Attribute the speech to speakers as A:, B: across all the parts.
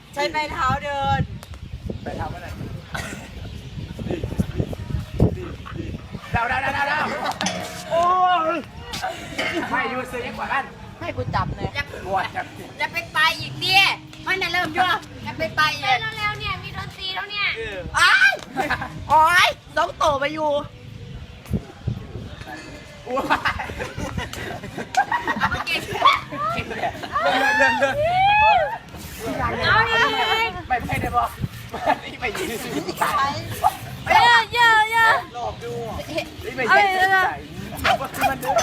A: ใช้ไม้เท้าเดิน
B: ไปทำอะไรเดาโอ้ยไม่ยูซื้อยังกว่ากัน
A: ให้กูจับเลย
B: ปวดจับ
C: จะไปไปอีกเนี่ยมันน่ะเริ่มยั่วจะไปไปอีก
D: เร็วๆเนี่ยมีดนตรีแล้วเนี่ย
A: อ้าวโอ้ยต้องโตไปอยู่
B: อ้ว
C: เอามาเก่ง
D: เอาดิ
B: ไม่ได้บอกนี่ไปยืนซื้อที่ไหน
D: เยอะ
B: หลอกดูนี่ไปยืนซื้อที่ไหนว่าคือมันเด้อ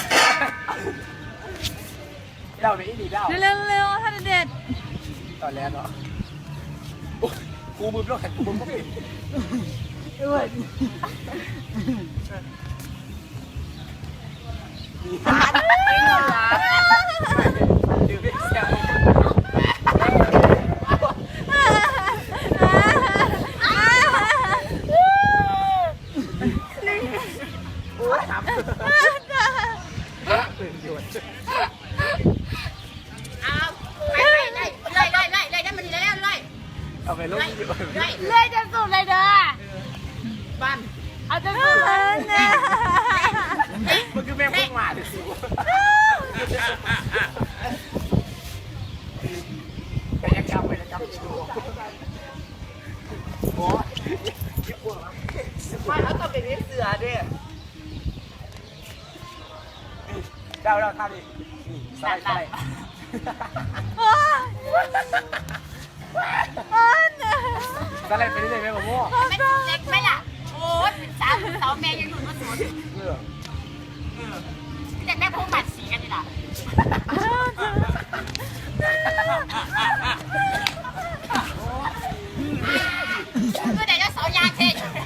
B: เราไม่ดีเรา
D: เร็วท่านเด็ด
B: ตอนแรกเนาะกูมือโลกแข่งกูมือก็ผิดดื่มไม่เสียโอ้ยทำตื่นหยุด
C: เอาไปเลยได้มันดีแล้วเลย
B: เอาไปลงอยู่
C: เลย
D: เลื่อยจนสุดเลยเด้อ
C: บ้าน
D: เอาจนสุดเลยเนี่ย
B: มันคือแม่งพุ่งมาเลยสิไปยังจำดูโอ้ย
A: ไม่เขาต้องเป็นนิสเสือด้วย
B: เราทำดิใส่ใส่ อะไรไปเรื่อยๆไปกับพวก
C: ไม่เล็กไหมล่ะโอ้ยเป็นสาวแม่ยังอยู่มาสวนแต่แม่พวกบัดสีกันนี่ล่ะคือเดี๋ยวจะเสายางเท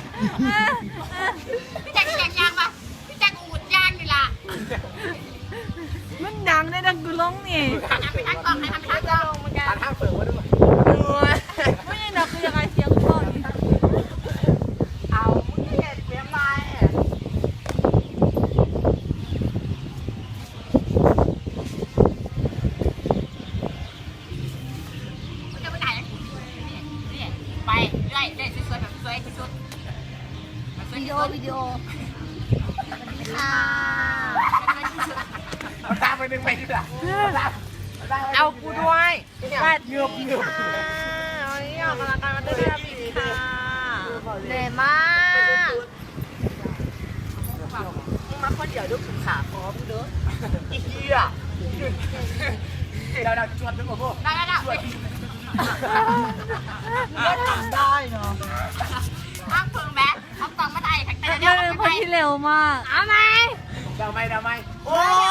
C: พี่แจ็คแข่งยางปะพี่แจ็คอูดยางนี่ล่ะ
D: มันดังได้ดังกูร้องนี่
C: ทำไปทั้งกองให้ทำไปทั้งกอง
B: ทานห้างเปิดไว้ด้วย
D: ไม่ใช่ดังคือยังไงเสียงกูร้องนี่
A: เอามึงเห็นเปียไม้
C: จะไปไหนนี่ไปเรื่อยสวยแบบสวยที่สุด
D: วิดีโอค่ะ
B: เอาตามไปหนึ่งไปดีกว่า
A: เอากูด้วย
B: เงือบ
A: เอาเนี่ยออกกำลังกายมาด้วยนะพี่ค่ะ
D: เหนื่อยมาก
A: มึงมาคนเดียวดูขุนขาพร้อมเด้ออีกเหี้ย
B: เราชวนทุกคนพวก
C: ได้ได้
A: ก็ทำได้เนาะ
C: ห้ามเพิ่งแบ๊ทำตองมาได้แต่
D: เป็
C: เดี๋ยวน
D: คนที่เร็วมาก
C: เอาไหม
B: เราไม่
A: โอ้